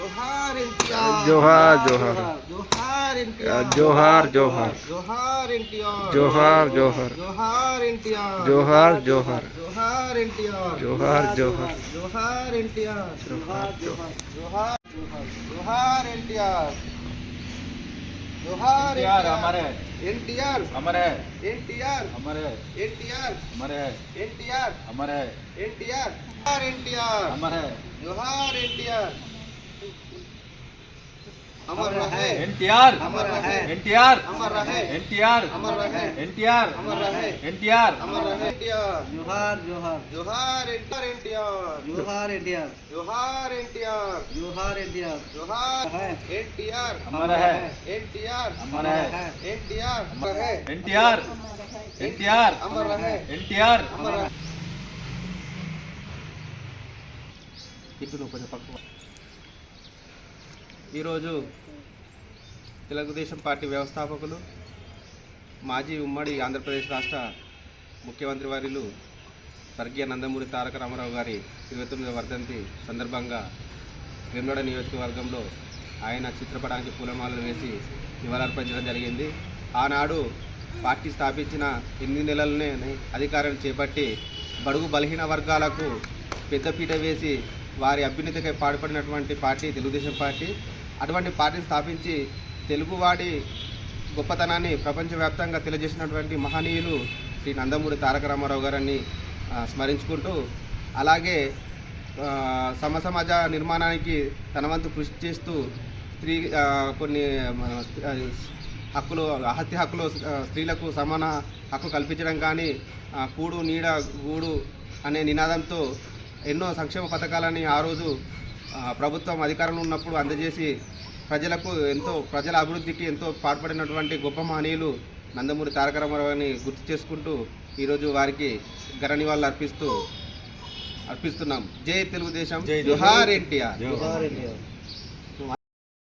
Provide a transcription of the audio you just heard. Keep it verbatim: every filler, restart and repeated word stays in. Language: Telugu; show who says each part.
Speaker 1: जोहार एनटीआर
Speaker 2: जोहार जोहार
Speaker 1: जोहार एनटीआर
Speaker 2: जोहार जोहार
Speaker 1: जोहार एनटीआर
Speaker 2: जोहार जोहार
Speaker 1: जोहार एनटीआर
Speaker 2: जोहार जोहार
Speaker 1: जोहार एनटीआर
Speaker 2: जोहार जोहार
Speaker 1: जोहार एनटीआर
Speaker 2: जोहार
Speaker 1: जोहार जोहार जोहार एनटीआर जोहार
Speaker 3: एनटीआर अमर है
Speaker 1: एनटीआर
Speaker 3: अमर है
Speaker 1: एनटीआर
Speaker 3: अमर है
Speaker 1: एनटीआर
Speaker 3: अमर है
Speaker 1: एनटीआर
Speaker 3: अमर है
Speaker 1: एनटीआर जोहार एनटीआर
Speaker 3: अमर है
Speaker 1: जोहार एनटीआर अमर रहे
Speaker 3: एनटीआर
Speaker 1: अमर रहे
Speaker 3: एनटीआर
Speaker 1: अमर रहे
Speaker 3: एनटीआर
Speaker 1: अमर रहे
Speaker 3: एनटीआर
Speaker 1: अमर रहे
Speaker 3: एनटीआर
Speaker 1: अमर रहे एनटीआर
Speaker 4: जोहार जोहार
Speaker 1: जोहार एनटीआर
Speaker 4: जोहार इंडिया
Speaker 1: जोहार एनटीआर
Speaker 4: जोहार इंडिया
Speaker 1: जोहार
Speaker 4: है
Speaker 1: एनटीआर
Speaker 3: अमर है
Speaker 1: एनटीआर
Speaker 3: अमर है
Speaker 1: एनटीआर अमर रहे
Speaker 3: एनटीआर एनटीआर
Speaker 1: अमर रहे
Speaker 3: एनटीआर
Speaker 1: अमर रहे
Speaker 5: ఈరోజు తెలుగుదేశం పార్టీ వ్యవస్థాపకులు మాజీ ఉమ్మడి ఆంధ్రప్రదేశ్ రాష్ట్ర ముఖ్యమంత్రి వర్యులు స్వర్గీయ నందమూరి తారక రామారావు గారి ఇరవై తొమ్మిదవ వర్ధంతి సందర్భంగా వేములవాడ నియోజకవర్గంలో ఆయన చిత్రపటానికి పూలమాలలు వేసి నివాళులర్పించడం జరిగింది. ఆనాడు పార్టీ స్థాపించిన ఎనిమిది నెలలనే అధికారం చేపట్టి బడుగు బలహీన వర్గాలకు పెద్దపీట వేసి వారి అభ్యున్నతికై పాటుపడినటువంటి పార్టీ తెలుగుదేశం పార్టీ. అటువంటి పార్టీని స్థాపించి తెలుగువాడి గొప్పతనాన్ని ప్రపంచవ్యాప్తంగా తెలియజేసినటువంటి మహనీయులు శ్రీ నందమూరి తారక రామారావు గారిని స్మరించుకుంటూ, అలాగే సమసమాజ నిర్మాణానికి తన వంతు కృషి చేస్తూ స్త్రీ కొన్ని హక్కులు ఆస్తి హక్కులు స్త్రీలకు సమాన హక్కు కల్పించడం కానీ, కూడు నీడ గూడు అనే నినాదంతో ఎన్నో సంక్షేమ పథకాలని ఆ రోజు ప్రభుత్వం అధికారంలో ఉన్నప్పుడు అందజేసి ప్రజలకు ఎంతో ప్రజల అభివృద్ధికి ఎంతో పాటుపడినటువంటి గొప్ప మహనీయులు నందమూరి తారక రామారావుని గుర్తు చేసుకుంటూ ఈరోజు వారికి ఘన నివాళులు అర్పిస్తూ అర్పిస్తున్నాం. జై తెలుగుదేశం, జోహార్ ఎన్టీఆర్.
Speaker 4: जोहार इंडिया